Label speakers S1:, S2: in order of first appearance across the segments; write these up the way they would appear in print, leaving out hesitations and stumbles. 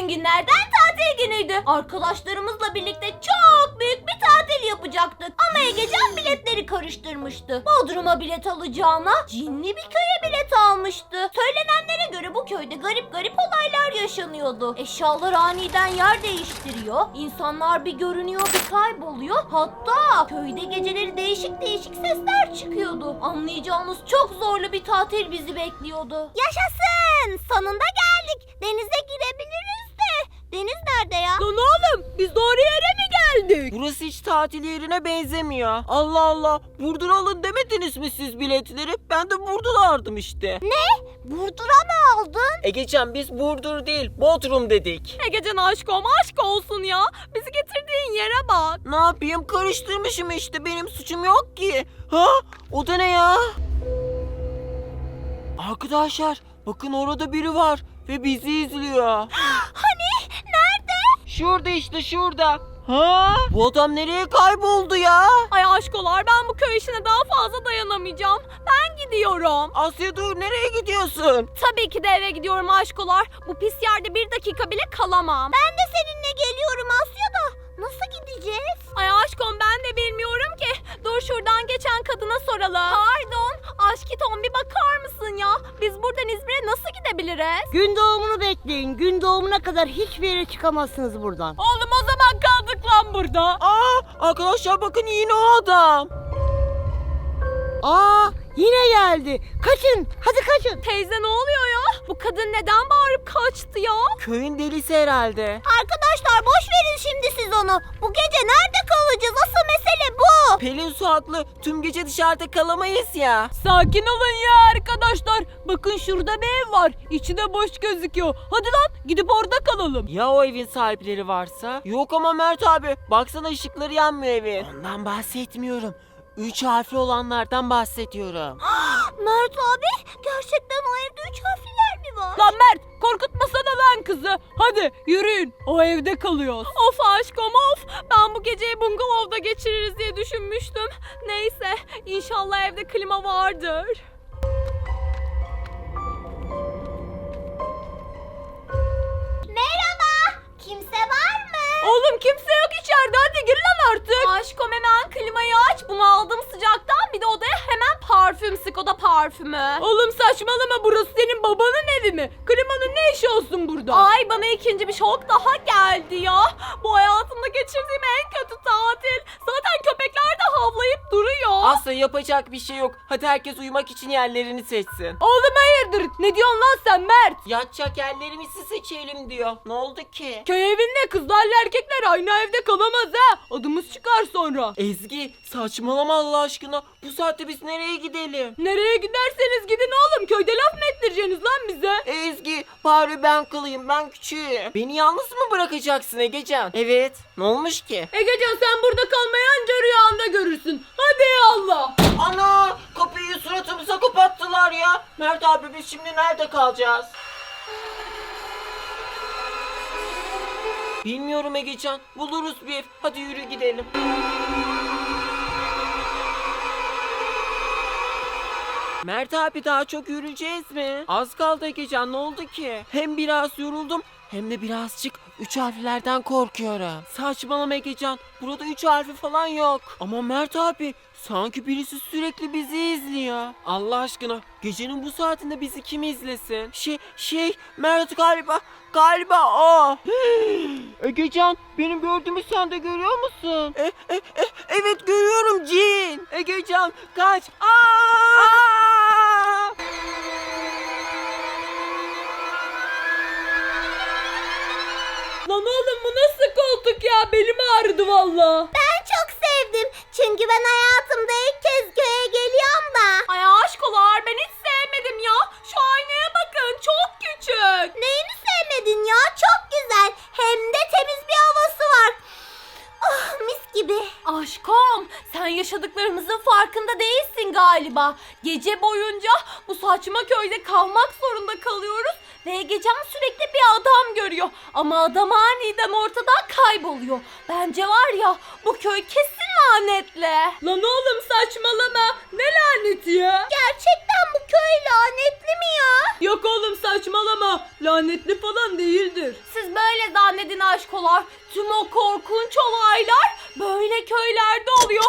S1: günlerden tatil günüydü. Arkadaşlarımızla birlikte çok büyük bir tatil yapacaktık. Ama Egecan biletleri karıştırmıştı. Bodrum'a bilet alacağına cinli bir köye bilet almıştı. Söylenenlere göre bu köyde garip garip olaylar yaşanıyordu. Eşyalar aniden yer değiştiriyor. İnsanlar bir görünüyor bir kayboluyor. Hatta köyde geceleri değişik değişik sesler çıkıyordu. Anlayacağınız çok zorlu bir tatil bizi bekliyordu. Yaşasın! Sonunda geldik. Denize girebiliriz de. Deniz nerede ya?
S2: Lan oğlum biz doğru yere mi geldik?
S3: Burası hiç tatil yerine benzemiyor. Allah Allah. Buradan alın demediniz mi siz biletleri? Ben de buradan aldım işte.
S1: Burdur'a mı aldın?
S3: Egecan biz Burdur değil Bodrum dedik.
S2: Egecan aşkım aşk olsun ya. Bizi getirdiğin yere bak.
S3: Ne yapayım karıştırmışım işte benim suçum yok ki. Ha? O da ne ya? Arkadaşlar bakın orada biri var ve bizi izliyor.
S1: Hani? Nerede?
S3: Şurada işte şurada. Ha? Bu adam nereye kayboldu ya?
S2: Ay aşkolar ben bu köy işine daha fazla dayanamayacağım. Ben gidiyorum.
S3: Asya dur nereye gidiyorsun?
S2: Tabii ki de eve gidiyorum aşkolar. Bu pis yerde bir dakika bile kalamam.
S1: Ben de seninle geliyorum Asya da. Nasıl gideceğiz?
S2: Ay aşkım ben de bilmiyorum ki. Dur şuradan geçen kadına soralım. Pardon aşkiton bir bakar mısın ya? Biz buradan İzmir'e nasıl gidebiliriz?
S4: Gün doğumunu bekleyin. Gün doğumuna kadar hiçbir yere çıkamazsınız buradan.
S2: Oğlum o zaman kaldık lan burada.
S3: Aa arkadaşlar bakın yine o adam.
S4: Aa, yine geldi. Kaçın. Hadi kaçın.
S2: Teyze ne oluyor ya? Bu kadın neden bağırıp kaçtı ya?
S3: Köyün delisi herhalde.
S1: Arkadaşlar boş verin şimdi siz onu. Bu gece nerede kalacağız? Asıl mesele bu.
S3: Pelin Su haklı. Tüm gece dışarıda kalamayız ya.
S2: Sakin olun ya arkadaşlar. Bakın şurada bir ev var. İçi de boş gözüküyor. Hadi lan gidip orada kalalım.
S3: Ya o evin sahipleri varsa? Yok ama Mert abi. Baksana ışıkları yanmıyor evin. Ondan bahsetmiyorum. 3 harfli olanlardan bahsediyorum.
S1: Mert abi gerçekten o evde 3 harfliler mi var?
S2: Lan Mert korkutmasana lan kızı. Hadi yürüyün. O evde kalıyoruz. Of aşkım of. Ben bu geceyi bungalovda geçiririz diye düşünmüştüm. Neyse inşallah evde klima vardır.
S1: Merhaba. Kimse var mı?
S2: Oğlum kimse yok içeride hadi gir lan artık. Aşkım hemen klimayı aç. Bunu aldım sıcaktan bir de odaya hemen parfüm sık o da parfümü. Oğlum saçmalama burası senin babanın evi mi? Klimanın ne işi olsun burada? Ay bana ikinci bir şok daha geldi ya. Bu hayatımda geçirdiğim en kötü tatil. Zaten köpekler de havlayıp duruyor.
S3: Asla yapacak bir şey yok. Hadi herkes uyumak için yerlerini seçsin.
S2: Oğlum hayırdır ne diyorsun lan sen Mert?
S3: Yatacak yerlerimizi seçelim diyor. Ne oldu ki?
S2: Köy evinde kızlarla erkekler aynı evde kalamaz ha. Adımız çıkar sonra.
S3: Ezgi saçmalama Allah aşkına. Bu saatte biz nereye gidelim?
S2: Nereye giderseniz gidin oğlum. Köyde laf mı ettireceksiniz lan bize?
S3: Ezgi bari ben kalayım ben küçüğüm. Beni yalnız mı bırakacaksın Egecan? Evet. Ne olmuş ki?
S2: Egecan sen burada kalmayı anca rüyanda görürsün. Hadi eyvallah.
S3: Ana kapıyı suratımıza kapattılar ya. Mert abi biz şimdi nerede kalacağız? Bilmiyorum Egecan. Buluruz bir ev. Hadi yürü gidelim. Mert abi daha çok yürüyeceğiz mi? Az kaldı Egecan ne oldu ki? Hem biraz yoruldum hem de birazcık 3 harflerden korkuyorum. Saçmalama Egecan. Burada 3 harfi falan yok. Ama Mert abi sanki birisi sürekli bizi izliyor. Allah aşkına gecenin bu saatinde bizi kim izlesin? Mert galiba o. Egecan benim gördüğümü sen de görüyor musun? Evet görüyorum cin. Egecan kaç. Aa!
S2: Lan oğlum bu nasıl koltuk ya? Belim ağrıdı valla.
S1: Ben çok sevdim. Çünkü ben hayatımda ilk kez köye geliyorum da.
S2: Ay aşkolar ben hiç sevmedim ya. Şu aynaya bakın çok küçük.
S1: Neyini sevmedin ya? Çok güzel. Hem de temiz bir havası var. Oh, mis gibi.
S2: Aşkım sen yaşadıklarımızın farkında değilsin galiba. Gece boyunca bu saçma köyde kalmak zorunda kalıyoruz. Ve Egecan sürekli bir adam görüyor. Ama adam aniden ortadan kayboluyor. Bence var ya bu köy kesin lanetli. Lan oğlum saçmalama. Ne laneti ya?
S1: Gerçekten bu köy lanetli mi ya?
S2: Yok oğlum saçmalama. Lanetli falan değildir.
S1: Siz böyle
S2: aşkolar. Tüm o korkunç olaylar böyle köylerde oluyor.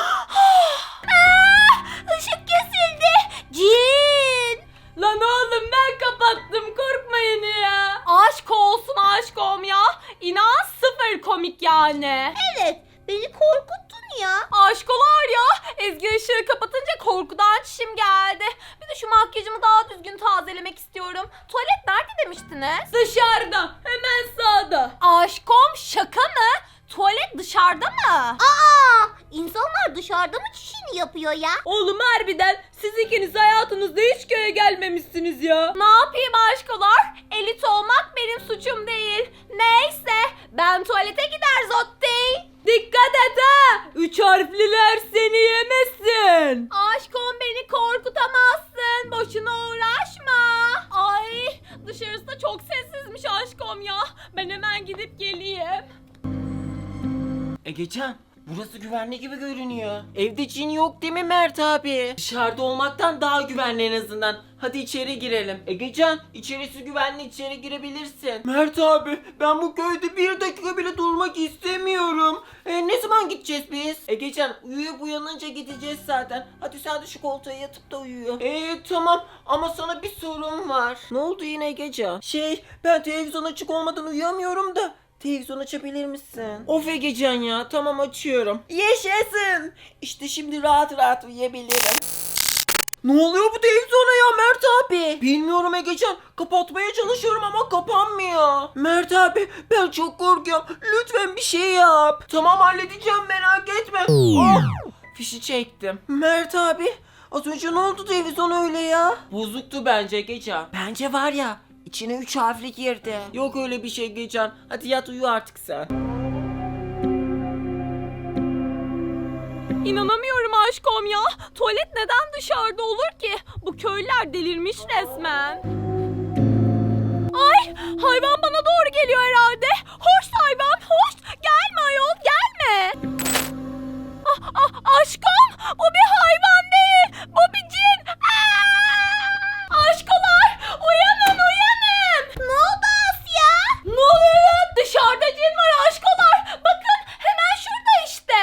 S1: Işık kesildi. Cin.
S2: Lan oğlum ben kapattım, korkmayın ya. Aşk olsun aşkom ya. İnan sıfır komik yani.
S1: Evet, beni korkuttun ya.
S2: Aşkolar ya. Ezgi ışığı kapatınca korkudan çişim geldi. Bir de şu makyajımı daha düzgün tazelemek istiyorum. Tuvalet nerede demiştiniz? Dışarıda. Hemen sağda. Aşkom şaka mı? Tuvalet dışarıda mı?
S1: İnsanlar dışarıda mı çişini yapıyor ya?
S2: Oğlum harbiden siz ikiniz hayatınızda hiç köye gelmemişsiniz ya. Ne yapayım aşkolar? Elit olmak benim suçum değil. Neyse ben tuvalete gider zottey. Dikkat et ha! 3 harfliler seni yemesin. Aşkım beni korkutamazsın. Boşuna uğraşma. Ay dışarısı da çok sessizmiş aşkım ya. Ben hemen gidip geleyim.
S3: Egecan, burası güvenli gibi görünüyor. Evde cin yok değil mi Mert abi? Dışarıda olmaktan daha güvenli en azından. Hadi içeri girelim. Egecan, içerisi güvenli, içeri girebilirsin. Mert abi, ben bu köyde bir dakika bile durmak istemiyorum. Ne zaman gideceğiz biz? Egecan, uyuyup uyanınca gideceğiz zaten. Hadi sen de şu koltuğa yatıp da uyu. Tamam ama sana bir sorum var. Ne oldu yine Egecan? Ben televizyon açık olmadan uyuyamıyorum da. Televizyon açabilir misin? Of Egecan ya, tamam açıyorum. Yaşasın. İşte şimdi rahat rahat uyuyabilirim. Ne oluyor bu televizyona ya Mert abi? Bilmiyorum Egecan. Kapatmaya çalışıyorum ama kapanmıyor. Mert abi ben çok korkuyorum. Lütfen bir şey yap. Tamam halledeceğim merak etme. Oh, fişi çektim. Mert abi az önce ne oldu televizyon öyle ya? Bozuktu bence Egecan. Bence var ya içine 3 harfli girdi. Yok öyle bir şey Egecan. Hadi yat uyu artık sen.
S2: İnanamıyorum aşkım ya. Tuvalet neden dışarıda olur ki? Bu köylüler delirmiş resmen. Ay hayvan bana doğru geliyor herhalde. Hoş hayvan hoş. Gelme ayol gelme. Aşkım o bir hayvan değil. Bu bir cin. Aşkolar uyanın uyanın.
S1: Ne oldu Asya?
S2: Ne oluyor lan? Dışarıda cin var aşkolar. Bakın hemen şurada işte.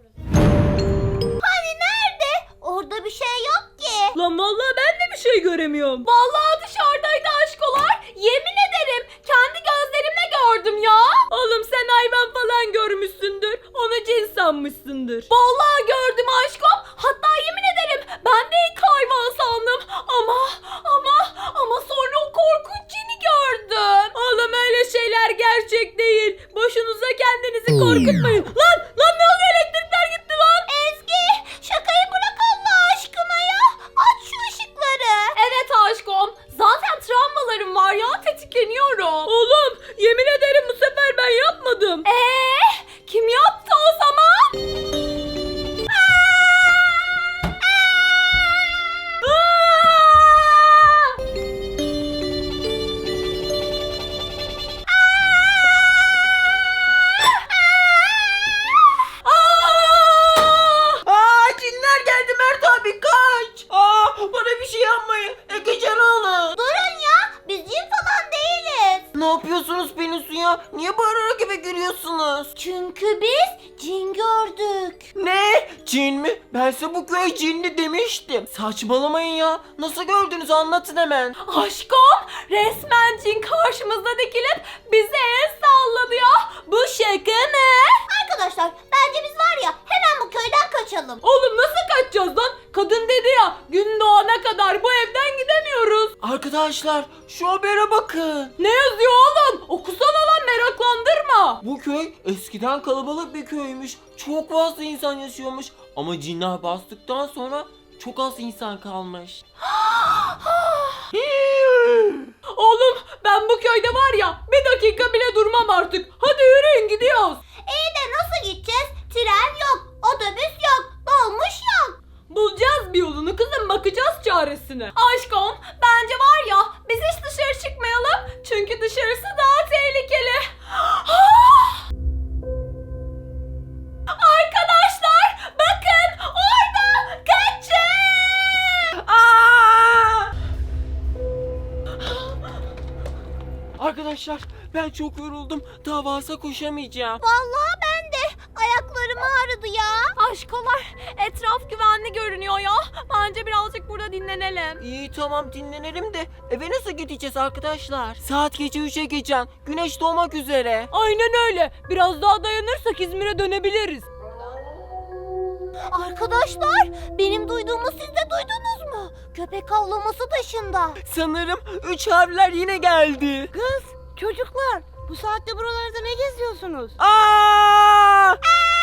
S1: Hani nerede? Orada bir şey yok ki.
S2: Lan vallahi ben de bir şey göremiyorum. Vallahi dışarıdaydı aşkolar. Yemin ederim kendi gözlerimle gördüm ya. Oğlum sen hayvan falan görmüşsündür. Onu cin sanmışsındır. Vallahi gördüm aşkım. Hatta yemin ederim ben de ilk hayvan sandım. Ama sonra o korkunç cini gördüm. Oğlum öyle şeyler gerçek değil. Boşunuza kendinizi korkutmayın. Lan ne oluyor, elektrikler gitti lan.
S1: Ezgi, şakayı bırak Allah aşkına ya. Aç şu ışıkları.
S2: Evet aşkım. Zaten travmalarım var ya, tetikleniyorum. Oğlum yemin ederim bu sefer ben yapmadım. Kim yaptı o zaman?
S3: Cinler geldi Mert abi kaç. Bana bir şey yapmayın. Egecan alın.
S1: Durun ya, biz cin falan değiliz.
S3: Ne yapıyorsunuz Pelinsu ya? Niye bağırarak eve giriyorsunuz?
S1: Çünkü biz cin gördük.
S3: Ne? Cin mi? Ben size bu köy cinli demiştim. Saçmalamayın ya. Nasıl gördünüz anlatın hemen.
S2: Aşkım resmen cin karşımızda dikilip bize el salladı ya. Bu şaka mı?
S1: Arkadaşlar, bence biz var ya hemen bu köyden kaçalım.
S2: Oğlum nasıl kaçacağız lan? Kadın dedi ya gün doğana kadar bu evden gidemiyoruz.
S3: Arkadaşlar şu habere bakın.
S2: Ne yazıyor oğlum? Okusana lan, meraklandırma.
S3: Bu köy eskiden kalabalık bir köymüş. Çok fazla insan yaşıyormuş. Ama cinler bastıktan sonra çok az insan kalmış.
S2: Oğlum ben bu köyde var ya bir dakika bile durmam artık. Hadi yürüyün gidiyoruz.
S1: İyi de nasıl gideceğiz? Tren yok, otobüs yok, dolmuş yok.
S2: Bulacağız bir yolunu kızım, bakacağız çaresine. Aşkım bence var ya biz hiç dışarı çıkmayalım. Çünkü dışarısı daha tehlikeli. Arkadaşlar bakın orada, kaçın.
S3: Arkadaşlar ben çok çok yoruldum. Daha fazla koşamayacağım.
S1: Vallahi ben de. Ayaklarım ağrıdı ya.
S2: Aşkolar, etraf güvenli görünüyor ya. Bence birazcık burada dinlenelim.
S3: İyi tamam dinlenelim de eve nasıl gideceğiz arkadaşlar? Saat gece 3'e geçen. Güneş doğmak üzere.
S2: Aynen öyle. Biraz daha dayanırsak İzmir'e dönebiliriz.
S1: Arkadaşlar, benim duyduğumu siz de duydunuz mu? Köpek avlaması taşında.
S3: Sanırım 3 harfler yine geldi.
S4: Kız, çocuklar bu saatte buralarda ne geziyorsunuz?
S3: Aa!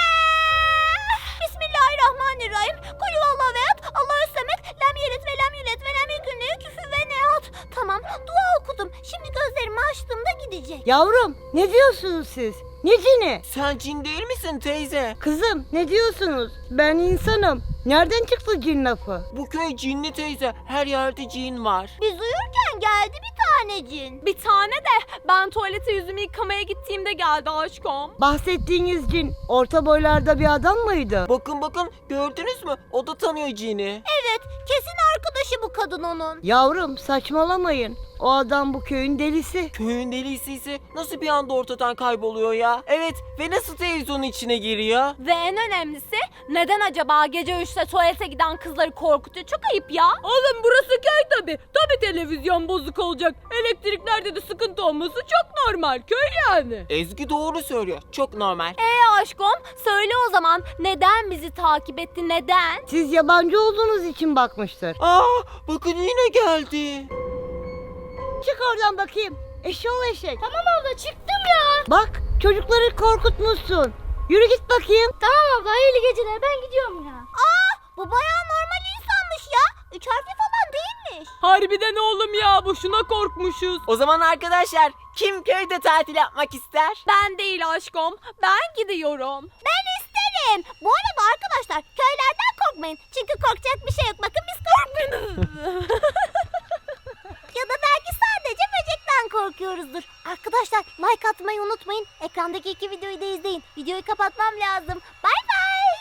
S1: Bismillahirrahmanirrahim. Kulü vallahu veyat. Allahü semet. Lem yelit ve lem yulet ve lem yekun lehu küfüven ve nehat. Tamam, dua okudum. Şimdi gözlerimi açtığımda gidecek.
S4: Yavrum, ne diyorsunuz siz? Ne cini?
S3: Sen cin değil misin teyze?
S4: Kızım, ne diyorsunuz? Ben insanım. Nereden çıktı cin lafı?
S3: Bu köy cinli teyze. Her yerde cin var.
S1: Biz uyurken geldi bir tane cin.
S2: Bir tane de ben tuvalete yüzümü yıkamaya gittiğimde geldi aşkım.
S4: Bahsettiğiniz cin orta boylarda bir adam mıydı?
S3: Bakın gördünüz mü? O da tanıyor cini.
S1: Evet, kesin arkadaşı bu kadın onun.
S4: Yavrum, saçmalamayın. O adam bu köyün delisi.
S3: Köyün delisi nasıl bir anda ortadan kayboluyor ya? Evet ve nasıl televizyonun içine giriyor?
S2: Ve en önemlisi neden acaba gece 3'te tuvalete giden kızları korkutuyor? Çok ayıp ya. Oğlum burası köy tabi. Tabi televizyon bozuk olacak. Elektriklerde de sıkıntı olması çok normal. Köy yani.
S3: Ezgi doğru söylüyor. Çok normal.
S2: Aşkım söyle o zaman neden bizi takip etti neden?
S4: Siz yabancı olduğunuz için bakmıştır.
S3: Aa bakın yine geldi.
S4: Çık oradan bakayım. Eşşoğlu eşek.
S1: Tamam abla, çıktım ya.
S4: Bak, çocukları korkutmuşsun. Yürü git bakayım.
S1: Tamam abla, hayırlı geceler, ben gidiyorum ya. Bu bayağı normal insanmış ya. 3 harfli falan değilmiş.
S2: Harbiden oğlum ya boşuna korkmuşuz.
S3: O zaman arkadaşlar kim köyde tatil yapmak ister?
S2: Ben değil aşkım. Ben gidiyorum.
S1: Ben isterim. Bu arada arkadaşlar, köylerden korkmayın. Çünkü korkacak bir şey yok. Bakın biz korkmuyoruz. Ya da belki sadece böcekten korkuyoruzdur. Arkadaşlar, like atmayı unutmayın. Ekrandaki 2 videoyu da izleyin. Videoyu kapatmam lazım. Bye